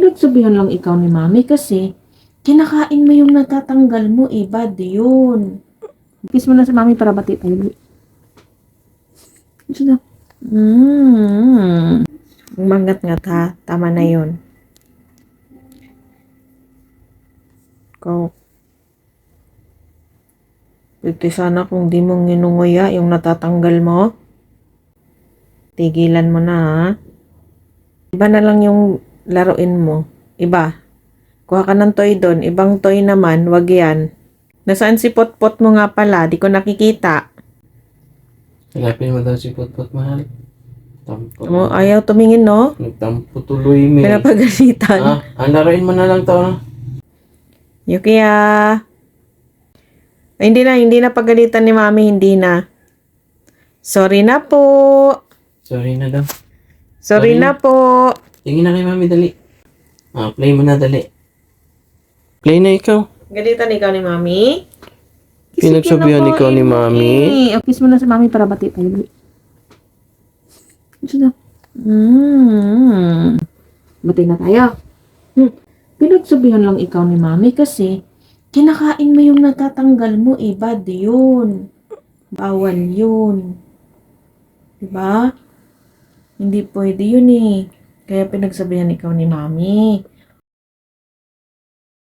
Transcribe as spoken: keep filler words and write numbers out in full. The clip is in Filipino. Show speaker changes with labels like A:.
A: Pinagsabihan lang ikaw ni mami kasi kinakain mo yung natatanggal mo, eh, bad yun. Kiss mo na si mami para bati tayo. Gusto na. Mm. Mangat-ngat ha. Tama na yun. Ikaw. Pwede sana kung di mo nginunguya yung natatanggal mo. Tigilan mo na ha. Iba na lang yung laruin mo. Iba. Kuha ka ng toy doon. Ibang toy naman. Wag yan. Nasaan si Potpot mo nga pala? Di ko nakikita.
B: Hanapin mo daw si Potpot, mahal. Tampo.
A: Mo, ayaw tumingin, no?
B: Nagtampo tuloy, May.
A: Pinapagalitan.
B: Ah, ang laruin mo na lang to, no?
A: Yukiya. Ay, hindi na, hindi na pagalitan ni mami, hindi na. Sorry na po.
B: Sorry na daw.
A: Sorry,
B: Sorry
A: na
B: na.
A: po.
B: Tingin na kay mami, dali. Ah, play mo na, dali. Play na ikaw.
A: Galitan ikaw ni mami?
B: Pinagsabihan
A: Isipin ako,
B: ikaw ni
A: eh,
B: mami?
A: Eh, kiss mo na si mami para bati tayo. Gusto na. Mm. Bati na tayo. Hmm. Pinagsabihan lang ikaw ni mami kasi kinakain mo yung natatanggal mo, eh, bad yun. Bawal yun. Diba? Hindi pwede yun, eh. Kaya pinagsabihan ikaw ni mami.